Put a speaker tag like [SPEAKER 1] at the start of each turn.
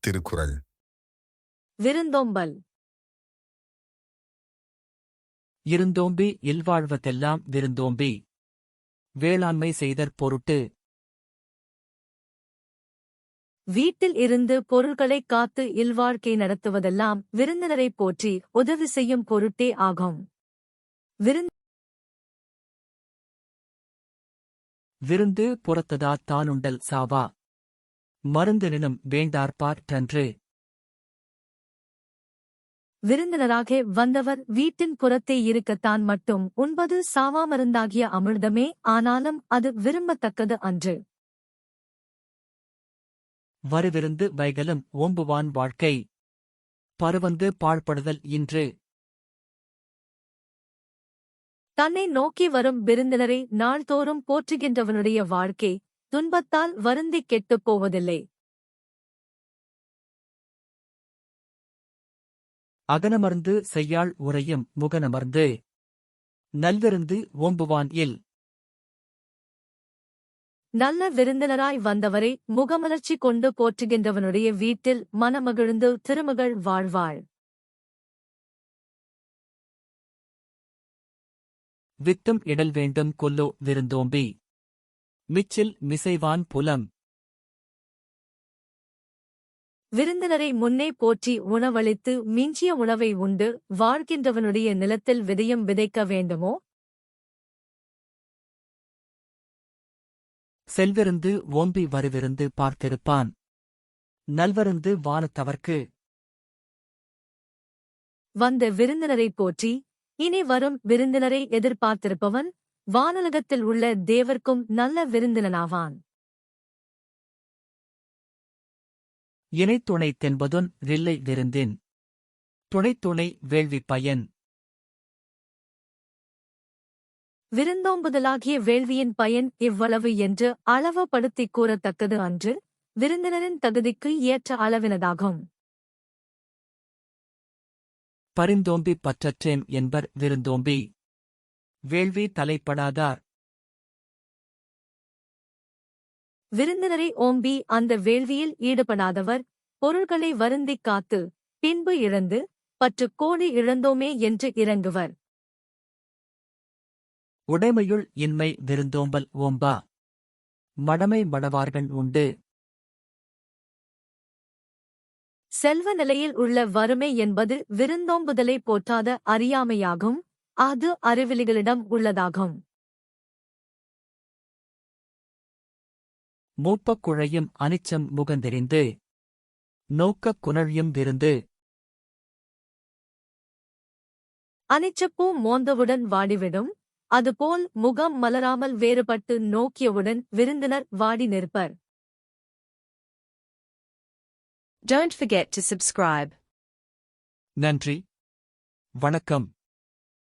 [SPEAKER 1] திருக்குறள்.
[SPEAKER 2] விருந்தோம்பல்.
[SPEAKER 3] இருந்தோம்பி இல்வாழ்வதெல்லாம் விருந்தோம்பி வேளாண்மை செய்தற் பொருட்டு.
[SPEAKER 2] வீட்டில் இருந்து பொருள்களைக் காத்து இல்வாழ்க்கை நடத்துவதெல்லாம் விருந்தினரைப் போற்றி உதவி செய்யும் பொருட்டே ஆகும்.
[SPEAKER 3] விருந்து புறத்ததா தானுண்டல் சாவா மருந்தெனினும் வேண்டார்பாற்றன்று.
[SPEAKER 2] விருந்தினராக வந்தவர் வீட்டின் புறத்தே இருக்கத்தான் மட்டும் உண்பது சாவாமருந்தாகிய அமிர்தமே, ஆனாலும் அது விரும்பத்தக்கது அன்று.
[SPEAKER 3] வருவிருந்து வைகலும் ஓம்புவான் வாழ்க்கை பருவந்து பாழ்படுதல் இன்று.
[SPEAKER 2] தன்னை நோக்கி வரும் விருந்தினரை நாள்தோறும் போற்றுகின்றவனுடைய வாழ்க்கை துன்பத்தால் வருந்திக் கெட்டுப் போவதில்லை.
[SPEAKER 3] அகனமர்ந்து செய்யாள் உரையும் முகனமர்ந்து நல்விருந்து ஓம்புவான் இல்.
[SPEAKER 2] நல்ல விருந்தினராய் வந்தவரை முகமலர்ச்சி கொண்டு போற்றுகின்றவனுடைய வீட்டில் மனமகிழ்ந்து திருமகள் வாழ்வாள்.
[SPEAKER 3] வித்தும் இடல் வேண்டும் கொல்லோ விருந்தோம்பி மிச்சில் மிசைவான் புலம்.
[SPEAKER 2] விருந்தினரை முன்னே போற்றி உணவளித்து மிஞ்சிய உணவை உண்டு வாழ்கின்றவனுடைய நிலத்தில் விதையும் விதைக்க வேண்டுமோ?
[SPEAKER 3] செல்விருந்து ஓம்பி வருவிருந்து பார்த்திருப்பான் நல்வருந்து வானத்தவர்க்கு.
[SPEAKER 2] வந்த விருந்தினரைப் போற்றி இனி வரும் விருந்தினரை எதிர்பார்த்திருப்பவன் வானுலகத்தில் உள்ள தேவர்க்கும் நல்ல விருந்தினனாவான்.
[SPEAKER 3] இணைத்துணை தென்பதுன் ரில்லை விருந்தின் துணைத்துணை வேள்வி பயன்.
[SPEAKER 2] விருந்தோம்புதலாகிய வேள்வியின் பயன் இவ்வளவு என்று அளவுபடுத்திக் கூறத்தக்கது அன்று, விருந்தினரின் தகுதிக்கு ஏற்ற அளவினதாகும்.
[SPEAKER 3] பரிந்தோம்பி பற்றற்றேம் என்பர் விருந்தோம்பி வேள்வி தலைப்படாதார்.
[SPEAKER 2] விருந்தினரை ஓம்பி அந்த வேள்வியில் ஈடுபடாதவர் பொருள்களை வருந்திக் காத்து பின்பு இழந்து பற்று கோடி இழந்தோமே என்று இறங்குவர்.
[SPEAKER 3] உடைமையுள் இன்மை விருந்தோம்பல் ஓம்பா மடமை மடவார்கள் உண்டு.
[SPEAKER 2] செல்வ நிலையில் உள்ள வறுமை என்பது விருந்தோம்புதலை போற்றாத அறியாமையாகும். அது அறிவிலிகளிடம் உள்ளதாகும்.
[SPEAKER 3] மூப்பக் குழையும் அனிச்சம் முகந்தெறிந்து நோக்கக் குணழியும் விருந்து.
[SPEAKER 2] அனிச்சப்பூ மோந்தவுடன் வாடிவிடும், அதுபோல் முகம் மலராமல் வேறுபட்டு நோக்கியவுடன் விருந்தினர் வாடி நிற்பர்.
[SPEAKER 4] Don't forget to subscribe.
[SPEAKER 3] நன்றி, வணக்கம்.